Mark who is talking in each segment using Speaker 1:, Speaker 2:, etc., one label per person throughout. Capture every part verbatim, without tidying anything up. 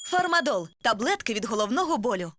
Speaker 1: Фармадол – таблетки від головного болю.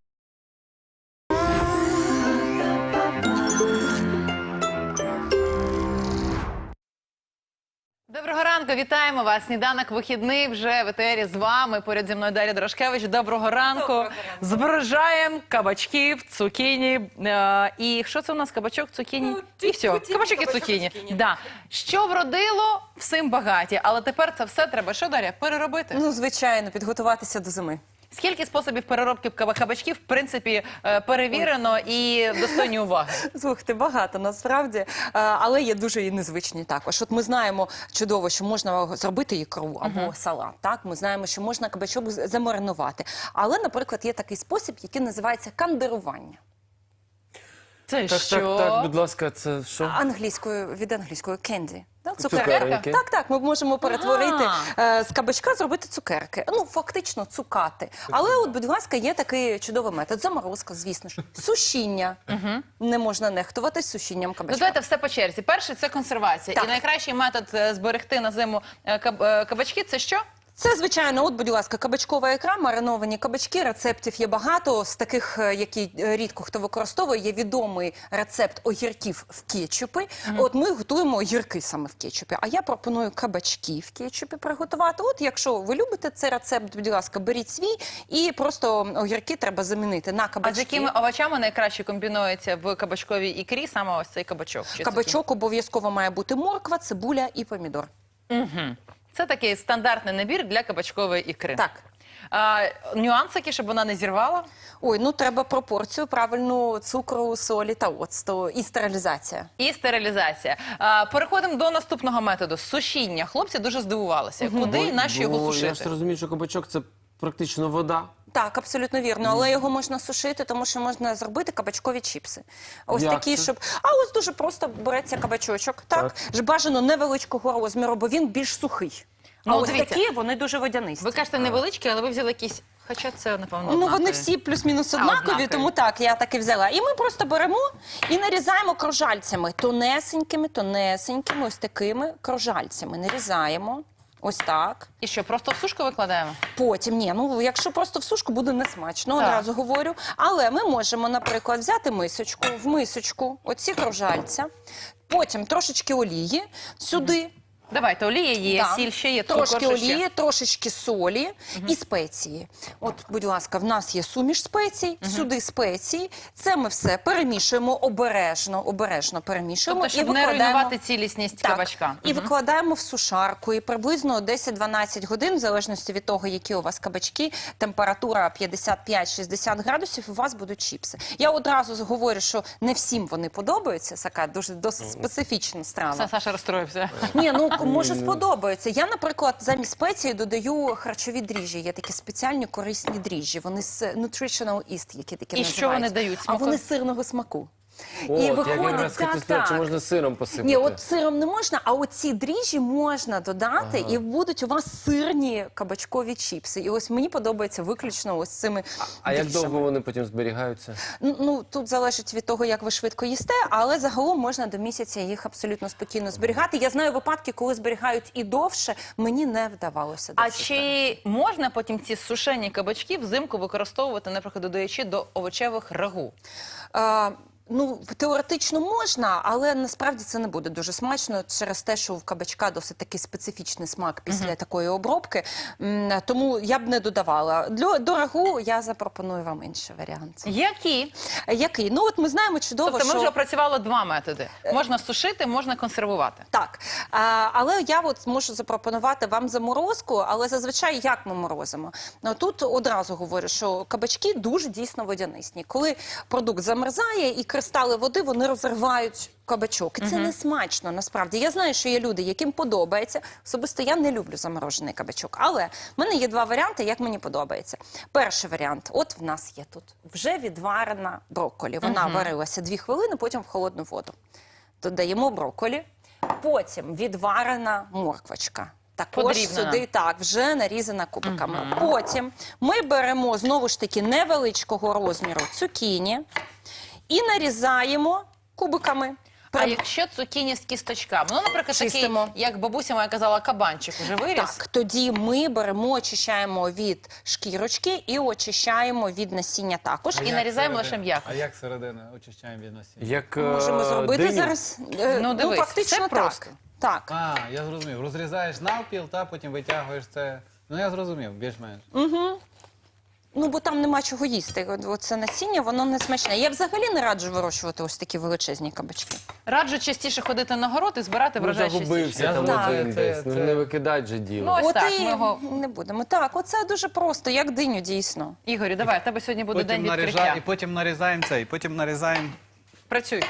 Speaker 2: Доброго ранку, вітаємо вас. Сніданок вихідний вже в етері з вами. Поряд зі мною Дар'я Дорошкевич. Доброго ранку.
Speaker 3: Доброго ранку.
Speaker 2: Збережаємо кабачків, цукіні. Е, і що це у нас? Кабачок, цукіні?
Speaker 3: Ну,
Speaker 2: і все.
Speaker 3: кабачок,
Speaker 2: Кабачок і
Speaker 3: кабачок,
Speaker 2: цукіні.
Speaker 3: цукіні.
Speaker 2: Да. Що вродило, всім багаті. Але тепер це все треба, що, Дар'я, переробити?
Speaker 3: Ну, звичайно, підготуватися до зими.
Speaker 2: Скільки способів переробки каба- кабачків, в принципі, е, перевірено і достойні уваги?
Speaker 3: Слухайте, багато насправді, е, але є дуже і незвичні також. От ми знаємо чудово, що можна зробити ікру або салат, так? Ми знаємо, що можна кабачок з- замаринувати. Але, наприклад, є такий спосіб, який називається кандирування.
Speaker 2: Це
Speaker 4: Так,
Speaker 2: що?
Speaker 4: так, так, будь ласка, це що?
Speaker 3: Англійською, від англійської candy. Да,
Speaker 4: Цукерки?
Speaker 3: Так, так, ми можемо перетворити
Speaker 2: Ага.
Speaker 3: е, з кабачка, зробити цукерки. Ну, фактично, цукати. Але, от, будь ласка, є такий чудовий метод. Заморозка, звісно ж. Сушіння. Не можна нехтувати сушінням
Speaker 2: Ну,
Speaker 3: кабачка.
Speaker 2: давайте все по черзі. Перший – це консервація.
Speaker 3: Так.
Speaker 2: І найкращий метод е, зберегти на зиму е, каб- е, кабачки – це що?
Speaker 3: Це, звичайно, от, будь ласка, кабачкова ікра, мариновані кабачки, рецептів є багато. З таких, е, які е, рідко хто використовує, є відомий рецепт огірків в кетчупі. От ми готуємо огірки саме в кетчупі. А я пропоную кабачки в кетчупі приготувати. От якщо ви любите цей рецепт, будь ласка, беріть свій і просто огірки треба замінити на
Speaker 2: А
Speaker 3: кабачки.
Speaker 2: з якими овочами найкраще комбінується в кабачковій ікрі саме ось цей кабачок? Чи
Speaker 3: Кабачок обов'язково має бути морква, цибуля і помідор.
Speaker 2: цукіні? Це такий стандартний набір для кабачкової ікри.
Speaker 3: Так.
Speaker 2: А, нюансики, щоб вона не зірвала?
Speaker 3: Ой, ну треба пропорцію правильну цукру, солі та оцту і стерилізація.
Speaker 2: І стерилізація. А, переходимо до наступного методу – сушіння. Хлопці дуже здивувалися. Куди і на що його
Speaker 4: Бо Я
Speaker 2: сушити?
Speaker 4: ж розумію, що кабачок – це практично вода.
Speaker 3: Так, абсолютно вірно, але його можна сушити, тому що можна зробити кабачкові чіпси. Ось
Speaker 4: Як
Speaker 3: такі,
Speaker 4: це?
Speaker 3: щоб... А ось дуже просто береться кабачочок, так,
Speaker 4: Так.
Speaker 3: ж бажано невеличкого розміру, бо він більш сухий. А
Speaker 2: Ну,
Speaker 3: ось
Speaker 2: дивіться.
Speaker 3: такі, вони дуже водянисті.
Speaker 2: Ви кажете невеличкі, але ви взяли якісь… Хоча це, напевно,
Speaker 3: Ну, вони
Speaker 2: однакові.
Speaker 3: всі плюс-мінус
Speaker 2: А,
Speaker 3: однакові,
Speaker 2: однакові.
Speaker 3: тому так, я так і взяла. І ми просто беремо і нарізаємо кружальцями, тонесенькими, тонесенькими, ось такими кружальцями. Нарізаємо, ось так.
Speaker 2: І що, просто в сушку викладаємо?
Speaker 3: Потім, ні, ну якщо просто в сушку, буде несмачно,
Speaker 2: Так.
Speaker 3: одразу говорю. Але ми можемо, наприклад, взяти мисочку, в мисочку, оці кружальця, потім трошечки олії сюди.
Speaker 2: Давайте, олія є,
Speaker 3: Да.
Speaker 2: сіль ще є, цукор
Speaker 3: Трошки
Speaker 2: що ще?
Speaker 3: олії, трошечки солі і спеції. От, будь ласка, в нас є суміш спецій, сюди спеції. Це ми все перемішуємо обережно, обережно перемішуємо.
Speaker 2: Тобто, щоб
Speaker 3: і
Speaker 2: не
Speaker 3: викладаємо...
Speaker 2: руйнувати цілісність
Speaker 3: Так.
Speaker 2: кабачка.
Speaker 3: І викладаємо в сушарку. І приблизно десять-дванадцять годин, в залежності від того, які у вас кабачки, температура п'ятдесят п'ять - шістдесят градусів, у вас будуть чіпси. Я одразу говорю, що не всім вони подобаються. Така дуже досить специфічна страва.
Speaker 2: Все, Саша розстроївся.
Speaker 3: Ні, ну може сподобається. Я, наприклад, замість спеції додаю харчові дріжджі. Є такі спеціальні корисні дріжджі. Вони з nutritional yeast, які такі
Speaker 2: І
Speaker 3: називаються.
Speaker 2: що вони дають?
Speaker 3: А
Speaker 2: Смаку?
Speaker 3: вони сирного смаку.
Speaker 4: От, я якраз хотів
Speaker 3: так,
Speaker 4: сказати, чи
Speaker 3: так.
Speaker 4: можна сиром посипати.
Speaker 3: Ні, от сиром не можна, а оці дріжджі можна додати, і будуть у вас сирні кабачкові чіпси. І ось мені подобається виключно ось цими
Speaker 4: А як
Speaker 3: дріжджами.
Speaker 4: довго вони потім зберігаються?
Speaker 3: Ну, тут залежить від того, як ви швидко їсте, але загалом можна до місяця їх абсолютно спокійно зберігати. Я знаю випадки, коли зберігають і довше, мені не вдавалося.
Speaker 2: А
Speaker 3: довше
Speaker 2: чи можна потім ці сушені кабачки взимку використовувати, наприклад, додаючи до овочевих рагу?
Speaker 3: А, ну, теоретично можна, але насправді це не буде дуже смачно через те, що в кабачка досить такий специфічний смак після такої обробки. М, Тому я б не додавала. Для дорогу я запропоную вам інший варіант.
Speaker 2: Які?
Speaker 3: Який? Ну, от ми знаємо чудово,
Speaker 2: Тобто ми
Speaker 3: що...
Speaker 2: вже опрацювали два методи. Можна сушити, можна консервувати.
Speaker 3: Так, а, але я от можу запропонувати вам заморозку, але зазвичай як ми морозимо? Ну, тут одразу говорю, що кабачки дуже дійсно водянисні. Коли продукт замерзає і кристали води, вони розривають кабачок. І це не смачно, насправді. Я знаю, що є люди, яким подобається. Особисто я не люблю заморожений кабачок. Але в мене є два варіанти, як мені подобається. Перший варіант. От в нас є тут вже відварена брокколі. Вона варилася дві хвилини, потім в холодну воду. Додаємо брокколі. Потім відварена морквочка. Також
Speaker 2: Подрібнена.
Speaker 3: сюди, так, вже нарізана кубиками. Потім ми беремо, знову ж таки, невеличкого розміру цукіні і нарізаємо кубиками.
Speaker 2: А якщо цукіні з кісточками? Ну, наприклад,
Speaker 3: Чистимо.
Speaker 2: такий, як бабуся моя казала, кабанчик уже виріс?
Speaker 3: Так, тоді ми беремо, очищаємо від шкірочки і очищаємо від насіння також.
Speaker 2: І
Speaker 5: як
Speaker 2: нарізаємо
Speaker 5: середину?
Speaker 2: лише м'яко.
Speaker 5: А як середину очищаємо від насіння?
Speaker 4: Як е,
Speaker 3: Можемо зробити
Speaker 4: диню.
Speaker 3: зараз. е,
Speaker 2: Ну, дивись,
Speaker 3: фактично
Speaker 2: все
Speaker 3: так.
Speaker 2: просто.
Speaker 3: Так.
Speaker 5: А, я зрозумів. Розрізаєш навпіл, та потім витягуєш це. Ну, я зрозумів, більш-менш.
Speaker 3: Ну, бо там нема чого їсти. От- Оце насіння, воно не смачне. Я взагалі не раджу вирощувати ось такі величезні кабачки.
Speaker 2: Раджу частіше ходити на город і збирати
Speaker 4: Ну,
Speaker 2: врожай
Speaker 4: загубився
Speaker 2: частіше.
Speaker 4: там
Speaker 5: Так.
Speaker 4: один
Speaker 5: Це-
Speaker 4: десь. Ну,
Speaker 5: це-
Speaker 4: не викидать же діло.
Speaker 2: Ну, ось
Speaker 3: От
Speaker 2: так,
Speaker 3: і
Speaker 2: ми його-
Speaker 3: не будемо. Так, оце дуже просто, як диню, дійсно.
Speaker 2: Ігорю, давай, в тебе сьогодні буде
Speaker 5: Потім
Speaker 2: день відкриття.
Speaker 5: нарізаємо, і потім нарізаємо цей, потім нарізаємо.
Speaker 2: Працюй.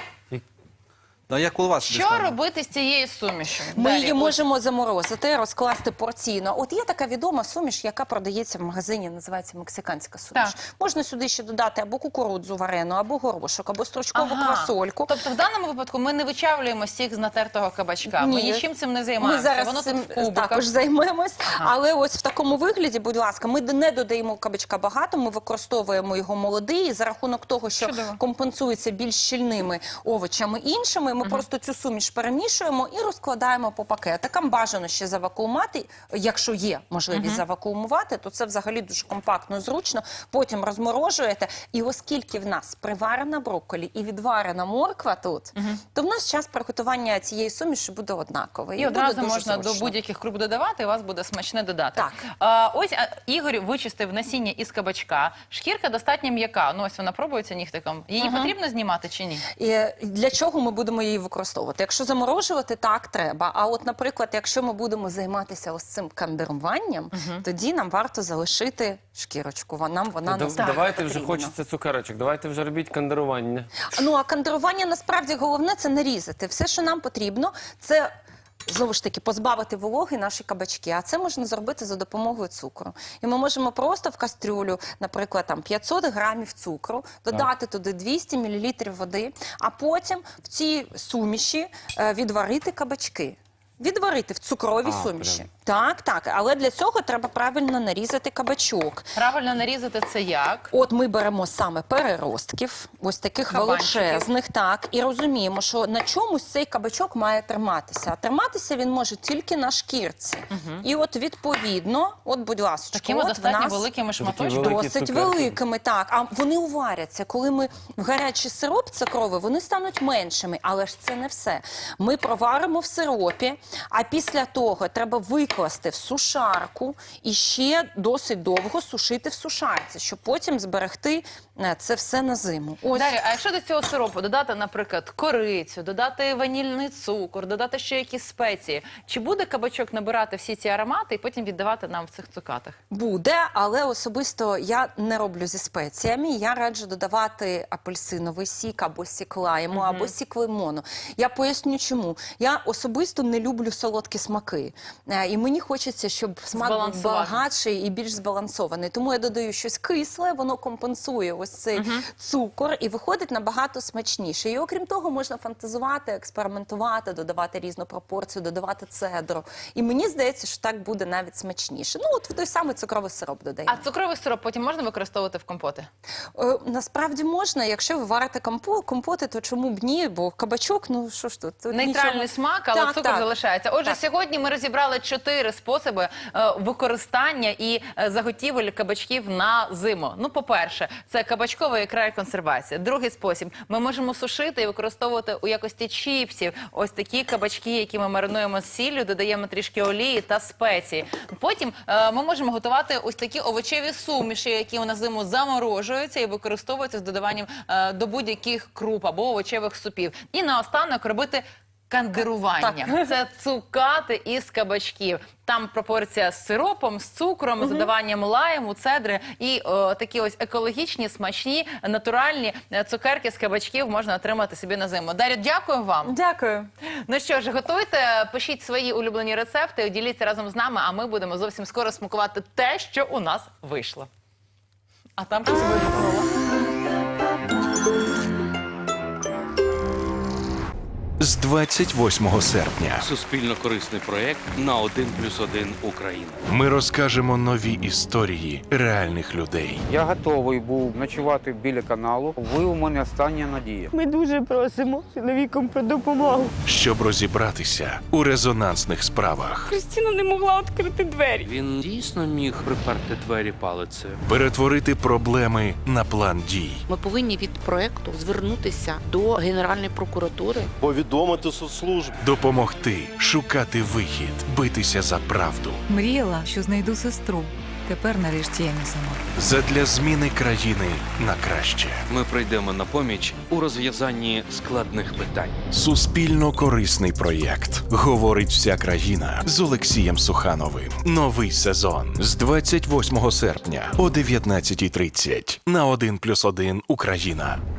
Speaker 5: Да, як у вас
Speaker 2: Що робити з цією сумішю?
Speaker 3: Ми
Speaker 2: Далі,
Speaker 3: її
Speaker 2: ось.
Speaker 3: можемо заморозити, розкласти порційно. От є така відома суміш, яка продається в магазині, називається мексиканська суміш.
Speaker 2: Так.
Speaker 3: Можна сюди ще додати або кукурудзу варену, або горошок, або стручкову
Speaker 2: Ага.
Speaker 3: квасольку.
Speaker 2: Тобто в даному випадку ми не вичавлюємо сік з натертого кабачка. Ми
Speaker 3: Ні.
Speaker 2: нічим цим не
Speaker 3: Ми
Speaker 2: займаємося.
Speaker 3: зараз
Speaker 2: Воно
Speaker 3: цим
Speaker 2: тут в кубиках.
Speaker 3: також займемось. Але ось в такому вигляді, будь ласка, ми не додаємо кабачка багато, ми використовуємо його молодий. І за рахунок того, що
Speaker 2: Чудово.
Speaker 3: компенсується більш щільними овочами іншими, ми просто цю суміш перемішуємо і розкладаємо по пакетикам. Бажано ще завакуумати. Якщо є можливість завакуумувати, то це взагалі дуже компактно і зручно. Потім розморожуєте. І оскільки в нас приварена брокколі і відварена морква тут, то в нас час приготування цієї суміші буде однаковий.
Speaker 2: І
Speaker 3: буде
Speaker 2: одразу
Speaker 3: дуже
Speaker 2: можна
Speaker 3: зручно.
Speaker 2: до будь-яких круп додавати, і у вас буде смачне додати.
Speaker 3: Так.
Speaker 2: А, ось а, Ігор вичистив насіння із кабачка. Шкірка достатньо м'яка. Ну ось вона пробується нігтиком. Її потрібно знімати чи ні?
Speaker 3: І для чого ми будемо її використовувати? Якщо заморожувати, так, треба. А от, наприклад, якщо ми будемо займатися ось цим кандируванням, тоді нам варто залишити шкірочку. Вон- Нам вона
Speaker 4: Да-
Speaker 3: не
Speaker 4: Давайте вже
Speaker 3: потрібна.
Speaker 4: хочеться цукерочок, давайте вже робіть кандирування.
Speaker 3: Ну, а кандирування насправді головне – це нарізати. Все, що нам потрібно, це... Знову ж таки, позбавити вологи наші кабачки. А це можна зробити за допомогою цукру. І ми можемо просто в кастрюлю, наприклад, там п'ятсот грамів цукру, додати туди двісті мілілітрів води, а потім в цій суміші е, відварити кабачки. Відварити в цукровій
Speaker 4: А,
Speaker 3: суміші.
Speaker 4: прям.
Speaker 3: Так, так. Але для цього треба правильно нарізати кабачок.
Speaker 2: Правильно нарізати це як?
Speaker 3: От ми беремо саме переростків, ось таких
Speaker 2: Кабанчиків.
Speaker 3: величезних, так, і розуміємо, що на чомусь цей кабачок має триматися. А триматися він може тільки на шкірці. І от відповідно, от, будь ласка,
Speaker 2: Такими
Speaker 3: от в
Speaker 2: достатньо
Speaker 3: нас
Speaker 2: великими
Speaker 4: Такі
Speaker 2: шматочками.
Speaker 4: великі
Speaker 3: досить
Speaker 4: цукерки.
Speaker 3: великими, так. А вони уваряться. Коли ми в гарячий сироп цукровий, вони стануть меншими. Але ж це не все. Ми проваримо в сиропі, а після того треба викласти в сушарку і ще досить довго сушити в сушарці, щоб потім зберегти е, це все на зиму. Ось.
Speaker 2: Дар'я, а якщо до цього сиропу додати, наприклад, корицю, додати ванільний цукор, додати ще якісь спеції, чи буде кабачок набирати всі ці аромати і потім віддавати нам в цих цукатах?
Speaker 3: Буде, але особисто я не роблю зі спеціями. Я раджу додавати апельсиновий сік або сік лайму, або сік лимону. Я поясню чому. Я особисто не люблю солодкі смаки. Е, І мені хочеться, щоб смак був
Speaker 2: Збалансувати.
Speaker 3: багатший і більш збалансований. Тому я додаю щось кисле, воно компенсує ось цей цукор і виходить набагато смачніше. І окрім того, можна фантазувати, експериментувати, додавати різну пропорцію, додавати цедру. І мені здається, що так буде навіть смачніше. Ну, от в той самий цукровий сироп додаємо.
Speaker 2: А цукровий сироп потім можна використовувати в компоти?
Speaker 3: Е, Насправді можна, якщо ви варите компо- компоти, то чому б ні? Бо кабачок, ну що ж тут? тут
Speaker 2: Нейтральний
Speaker 3: нічого.
Speaker 2: смак, але
Speaker 3: Так,
Speaker 2: цукор
Speaker 3: так.
Speaker 2: залишається. Отже,
Speaker 3: Так.
Speaker 2: сьогодні ми розібрали чотири способи е, використання і е, заготівель кабачків на зиму. Ну, по-перше, це кабачкова ікра і консервація. Другий спосіб – ми можемо сушити і використовувати у якості чіпсів ось такі кабачки, які ми маринуємо з сіллю, додаємо трішки олії та спеції. Потім е, ми можемо готувати ось такі овочеві суміші, які на зиму заморожуються і використовуються з додаванням е, до будь-яких круп або овочевих супів. І наостанок робити кандирування. Це цукати із кабачків. Там пропорція з сиропом, з цукром, з додаванням лайму, цедри і о, такі ось екологічні, смачні, натуральні е, цукерки з кабачків можна отримати собі на зиму. Дар'я, дякую вам.
Speaker 3: Дякую.
Speaker 2: Ну що ж, готуйте, пишіть свої улюблені рецепти, діліться разом з нами, а ми будемо зовсім скоро смакувати те, що у нас вийшло. А там щось вибухнуло.
Speaker 6: з двадцять восьмого серпня.
Speaker 7: Суспільно-корисний проєкт на один плюс один Україна.
Speaker 6: Ми розкажемо нові історії реальних людей.
Speaker 8: Я готовий був ночувати біля каналу. Ви у мене остання надія.
Speaker 9: Ми дуже просимо чоловікам про допомогу.
Speaker 6: Щоб розібратися у резонансних справах,
Speaker 9: Кристина не могла відкрити двері.
Speaker 7: Він дійсно міг приперти двері палицею.
Speaker 6: перетворити проблеми на план дій.
Speaker 10: Ми повинні від проекту звернутися до Генеральної прокуратури.
Speaker 11: Повідомити соцслужб.
Speaker 6: Допомогти шукати вихід, битися за правду.
Speaker 1: Мріяла, що знайду сестру. Тепер нарешті я не сама.
Speaker 6: Задля зміни країни на краще.
Speaker 7: Ми прийдемо на поміч у розв'язанні складних питань.
Speaker 6: Суспільно корисний проєкт. Говорить вся країна з Олексієм Сухановим. Новий сезон з двадцять восьмого серпня о дев'ятнадцятій тридцять на один плюс один Україна.